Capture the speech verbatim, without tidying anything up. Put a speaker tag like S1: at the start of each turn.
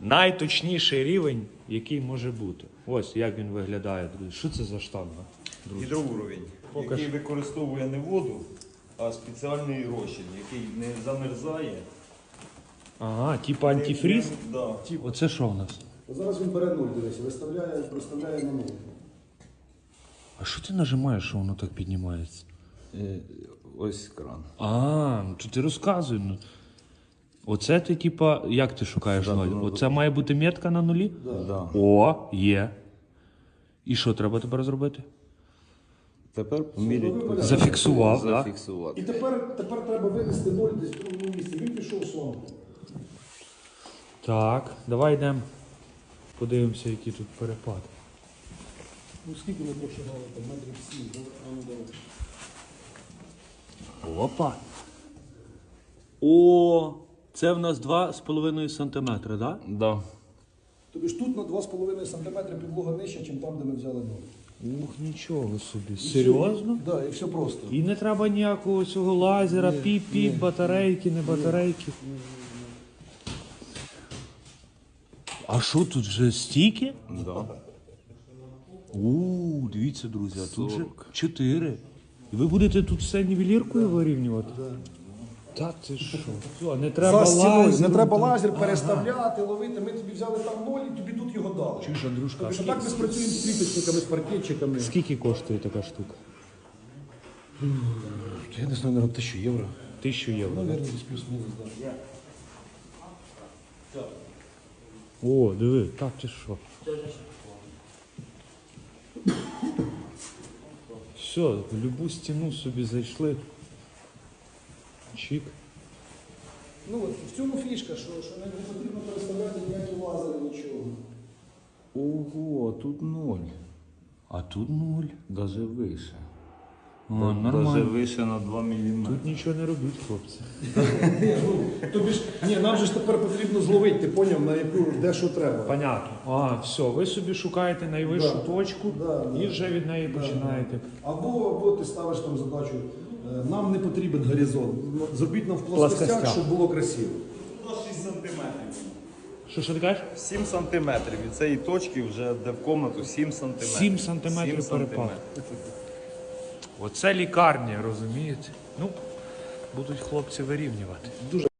S1: найточніший рівень, який може бути. Ось як він виглядає, друзі. Що це за штанга? Друзі?
S2: Гідроуровень,
S1: Покаж.
S2: який використовує не воду, а спеціальний розчин, який не замерзає.
S1: Ага, типа антифріз?
S2: Не- не- Да.
S1: Оце що в нас?
S3: Зараз він бере нуль, дивись, виставляє, проставляє на нуль.
S1: А що ти нажимаєш, що воно так піднімається?
S2: Е, Ось кран.
S1: А, ну то ти розказуй. Ну. Оце ти, типа, як ти шукаєш
S2: Да,
S1: ноль?
S2: ну,
S1: Оце має бути метка на нулі?
S2: Да.
S1: О, є. І що треба тепер зробити?
S2: Тепер поміряти.
S1: Зафіксував, так?
S2: Зафіксувати.
S3: І тепер, тепер треба винести нуль десь в другому місці. Він пішов сон.
S1: Так, давай йдемо. Подивимося, який тут перепад.
S3: Ну скільки ми прошагали? Там метрів сім, да? А ну давай.
S1: Опа. О, це в нас два з половиною сантиметри, так?
S2: Да.
S3: Тобі ж тут на два з половиною сантиметри підлога нижча, ніж там, де ми взяли нуль.
S1: Ух, нічого собі. Серйозно?
S3: Так, да, і все просто.
S1: І не треба ніякого цього лазера, піп-піп, батарейки, не батарейки. А що тут вже стільки?
S2: Да.
S1: У, дивіться, друзі, а тут же
S2: сорок.
S1: чотири. І ви будете тут все нівеліркою вирівнювати? Та ти що? Все, не треба
S3: За стіною,
S1: лазером.
S3: не треба
S1: там.
S3: лазер переставляти, ловити. Ми тобі взяли там ноль і тобі тут його дали.
S1: Чуєш, Андрюшка,
S3: Тобто,
S1: а
S3: що
S1: скільки-
S3: так ми спрацюємо з пліточниками, з паркетчиками.
S1: Скільки коштує така штука?
S3: Я не знаю, наверное, тисячу євро.
S1: Тисячу євро.
S3: Наверное, десь плюс-мінус, так.
S1: О, диви, так ти що? Все, в любу стіну собі зайшли. Чик.
S3: Ну, от в цьому фішка, що, що не потрібно переставляти ніякі лазери, нічого.
S2: Ого, тут ноль.
S1: А тут нуль.
S2: Даже вище.
S1: О,
S2: Даже
S1: нормально.
S2: вище на два міліметри.
S1: Тут нічого не робіть, хлопці.
S3: Тобі ж, ні, нам же ж тепер потрібно зловити, ти поняв, на яку, де що треба.
S1: Понятно. А, все, ви собі шукаєте найвищу
S3: Да.
S1: точку
S3: Да, да.
S1: і вже від неї починаєте.
S3: Або, або ти ставиш там задачу, е, нам не потрібен горизонт, зробіть нам в плоскостях,
S1: Плоскостях.
S3: щоб було красиво.
S2: шість сантиметрів.
S1: Що, що ти кажеш?
S2: сім сантиметрів. Від цієї точки вже де в комнату сім сантиметрів.
S1: сім сантиметрів
S2: сім
S1: перепад.
S2: сантиметрів.
S1: Оце лікарня, розумієте? Ну, будуть хлопці вирівнювати.
S3: Дуже